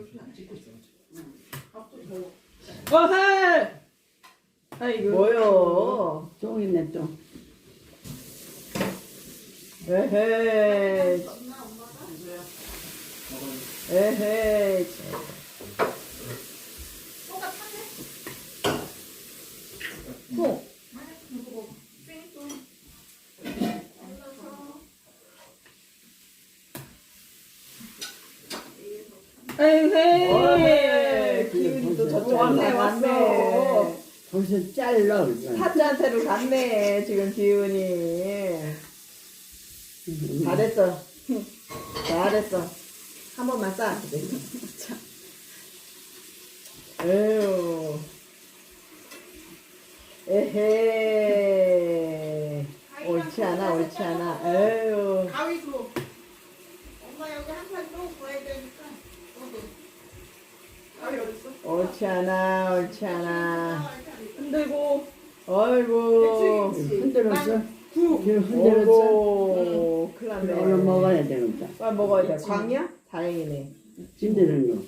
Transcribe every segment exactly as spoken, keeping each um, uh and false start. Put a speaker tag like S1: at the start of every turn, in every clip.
S1: 어헤! 아이고. 뭐요?
S2: 쫑이네 쫑.
S1: 에헤이. 에헤이. 콩. 에헤이. 기운이 또 저쪽 왔네, 왔네.
S2: 벌써 잘라.
S1: 사자한테로 갔네, 지금 기운이. 잘했어. 잘했어. 한 번만 싸. 에휴. 에헤이. 옳지 않아, 옳지 않아. 에휴.
S3: 가위도. 엄마 여기 한 판 또 구해야 되니까. 어디? 가위 어딨어?
S1: 옳지 않아, 옳지 않아.
S3: 흔들고.
S1: 어이구.
S2: 흔들었어?
S3: 구.
S2: 흔들었어?
S1: 오고. 큰일 났네.
S2: 얼른 먹어야 되겠다.
S1: 빨리 먹어야 돼. 광이야? 다행이네.
S2: 흔드는 거.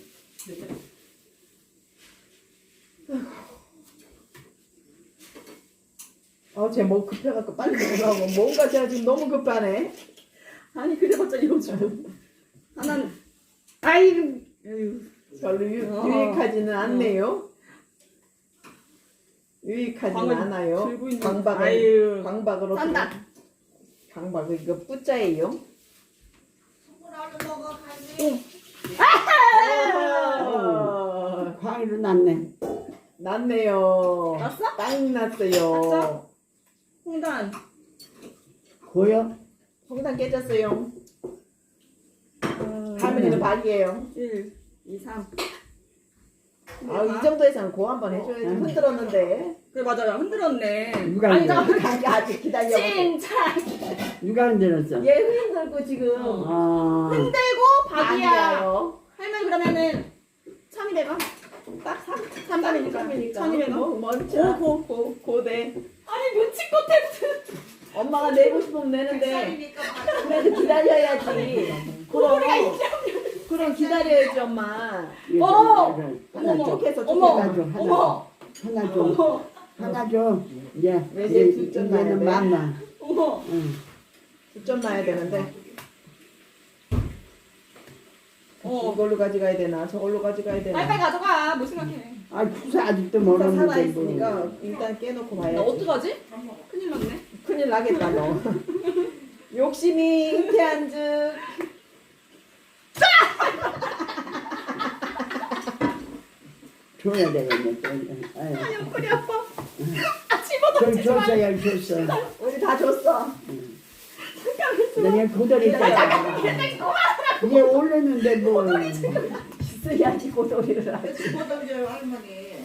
S1: 어, 쟤 뭐 급해갖고 빨리 먹으라고. 뭔가 쟤 지금 너무 급하네.
S3: 아니 그래봤자 이러지. 하나는.
S1: 아이고.
S3: 에휴.
S1: 별로 유,
S3: 어.
S1: 유익하지는 않네요. 유익하지는
S3: 광을
S1: 않아요.
S3: 들고 있는-
S1: 광박을,
S3: 아유.
S1: 광박으로.
S3: 싼다.
S1: 광박을, 이거 뿌자예요.
S3: 손가락을 먹어 가지.
S1: 아,
S2: 광이로 났네.
S1: 났네요.
S3: 났어?
S1: 딱 났어요.
S3: 났어? 홍단.
S2: 보여?
S1: 홍단 깨졌어요.
S3: 음,
S1: 할머니는 박이에요.
S3: 일, 이, 삼.
S1: 아, 이 정도에서는 고 한 번 해줘야지.
S2: 음.
S1: 흔들었는데.
S3: 그래 맞아요. 흔들었네.
S2: 누가
S3: 아니
S2: 흔들어?
S3: 잠깐만.
S1: 아직 기다려.
S3: 찐차.
S2: 누가 흔들었어?
S1: 얘 흔들고 지금.
S2: 아,
S3: 흔들고 박이야.
S1: 아니에요.
S3: 할머니 그러면은 천이백원.
S1: 딱 삼,
S3: 삼삼이니까.
S1: 삼이니까.
S3: 천이백원.
S1: 뭐, 뭐,
S3: 고, 고, 고.
S1: 고대.
S3: 아니 눈치껏 했어.
S1: 엄마가 내고 싶으면 내는데. 그래도 기다려야지. 그럼, 그럼 기다려야지, 엄마.
S2: 이거
S3: 어!
S2: 좀,
S3: 어머,
S2: 하나 줘.
S1: 쪽에서
S3: 어머.
S2: 하나 줘. 하나
S3: 어머.
S2: 줘. 하나 줘.
S3: 어머.
S2: 하나 줘. 이제
S1: 왜 이제
S2: 얘-
S1: 두점
S2: 얘는
S1: 나야 돼?
S2: 맘마.
S3: 어머.
S2: 응.
S1: 두 점 놔야 되는데.
S3: 어.
S1: 이걸로 가져가야 되나? 저걸로 가져가야 되나?
S3: 빨리빨리 가져가. 뭐 생각해.
S2: 아, 구사 아직도
S1: 일단
S2: 멀었는데
S1: 살아있으니까
S2: 뭐.
S1: 일단 깨놓고
S3: 나
S1: 봐야지.
S3: 어떡하지? 큰일 났네.
S1: 큰일 나겠다, 너. 욕심이 잉태한 즉.
S2: 줘야 되겠네. 또. 아유.
S3: 아 옆구리 아파. 아 집어넣지
S2: 좀
S3: 마.
S2: 줬어야 줬어.
S1: 우리 다 줬어.
S2: 내가 고돌이 있잖아. 얘 올렸는데 뭐.
S1: 있어야지 고소리를 하지.
S3: 집어넣어요 할머니.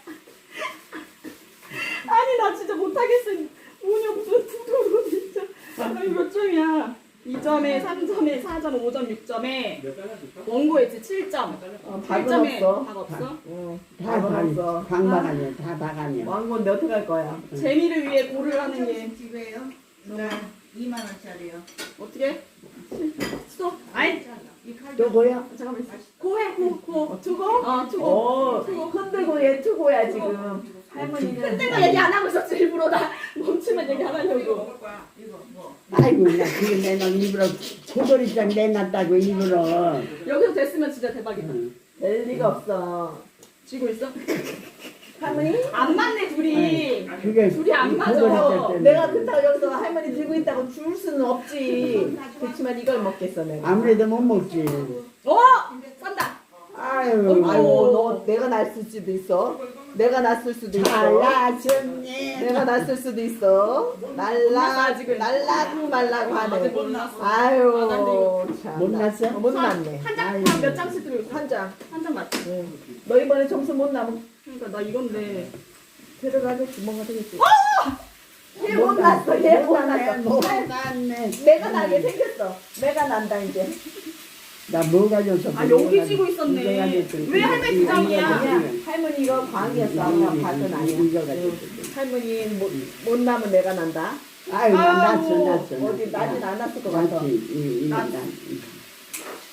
S3: 아니 나 진짜 못하겠어. 운이 없어 두도로 진짜. 아니 몇 점이야? 이 점에 삼 점에 사 점 오 점 육 점에 원고했지 칠 점.
S1: 어,
S3: 칠
S1: 박은
S3: 점에
S1: 없어.
S3: 박 없어?
S1: 응.
S2: 다
S1: 박은
S2: 방,
S1: 없어.
S2: 방방하냐, 다 방하냐.
S1: 왕건데 어떡할 거야?
S3: 재미를 위해 고를 하는 게
S4: 집에요? 네. 이만 원짜리요.
S3: 어떻게? 써? 아이
S4: 이 칼.
S2: 또 뭐야?
S3: 잠깐만 있어. 고해 고 고.
S1: 투고?
S3: 어 투고.
S1: 어, 흔들고 얘 투고야 지금. 할머니는.
S3: 흔들고 얘기 안 하고 있었지 일부러 나 멈추면 얘기 안
S4: 이거
S3: 하려고.
S4: 먹을 거야. 이거 뭐.
S2: 아이고, 나 그게 내가 일부러 고돌이장 내놨다고 일부러.
S3: 여기서 됐으면 진짜 대박이다.
S2: 응.
S1: 될 리가 없어.
S3: 쥐고 있어?
S1: 할머니?
S3: 안 맞네 둘이.
S2: 그게
S3: 둘이 안 맞아.
S2: 고돌이장 때문에.
S1: 내가 그렇다고 여기서 할머니 들고 있다고 줄 수는 없지. 그렇지만 이걸 먹겠어 내가.
S2: 아무래도 못 먹지.
S3: 어? 싼다.
S2: 아유,
S1: 아이고 너 내가 났을 수도 있어. 내가 났을 수도 있어.
S2: 잘나셨네.
S1: 내가 났을 수도 있어. 날라
S3: 아직은.
S1: 날라고 말라고 하네.
S3: 아직 못 났어.
S1: 아유 참.
S2: 못 났어?
S1: 어, 못 났네.
S3: 한장몇 장씩 들고 있어.
S1: 한 장.
S3: 한 장 맞지?
S1: 응. 너 이번에 점수 못 나면
S3: 그러니까 나 이건데.
S1: 데려가겠지 뭔가 되겠지.
S3: 어!
S1: 얘 못 났어. 얘 못
S2: 났네.
S1: 났어.
S2: 못 났네.
S1: 내가 나게 생겼어. 내가 난다 이제.
S2: 나 뭐 가져서
S3: 아 여기 쥐고 있었네. 왜 할머니 두 장이야?
S1: 그냥 할머니 이거 광이었어. 아까 밭은 아니야.
S2: 이거 가지고.
S1: 응. 할머니 못, 못 나면 내가 난다.
S2: 아유, 나 났어,
S3: 아이고,
S2: 났어.
S1: 어디 나진 않았을 것 같아.
S2: 났지. 이, 이,
S3: 났-
S2: 난.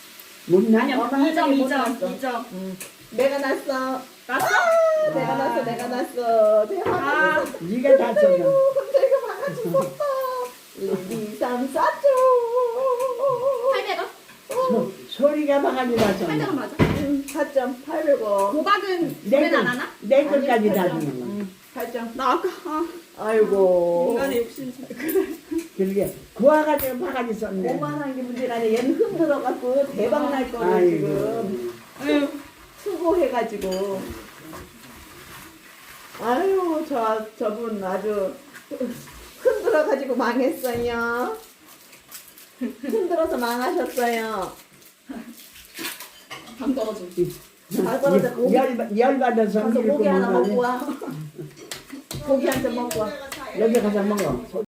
S2: 못나?
S3: 아니야,
S1: 엄마
S3: 이 점,
S1: 하늘이
S3: 이 점,
S1: 못
S3: 이 점.
S1: 응. 내가 났어.
S3: 났어?
S1: 아, 내가 났어. 내가 났어. 대박.
S3: 아,
S2: 네가 다 쳤어.
S1: 내가 막아 죽었다. 일, 이, 삼, 사 점.
S3: 팔백 원?
S2: 소, 소리가 바가지
S3: 팔백 원
S2: 나서.
S3: 맞아.
S1: 응, 사 점 팔백 원.
S3: 도박은
S2: 내
S3: 노래는 안
S2: 것,
S3: 하나?
S2: 내 것까지 다
S1: 팔 점.
S2: 주는 거.
S1: 응, 팔 점.
S3: 나 아까, 아,
S1: 아이고.
S3: 인간의 욕심. 그래.
S2: 그러게 구워가지고 바가지 썼네.
S1: 오만한 게 문제가 아니라 얘는 흔들어갖고 대박 날 거를
S2: 아이고.
S1: 지금
S3: 아유,
S1: 수고해가지고. 아유, 저, 저분 아주 흔들어가지고 망했어요. 흔들어서 망하셨어요.
S3: 감 떨어져.
S1: 다 떨어져. 고기,
S2: 열, 열 받아서
S1: 가서 고기 하나 먹고 와. 고기 한 점 먹고 와.
S2: 여기 가서 먹어.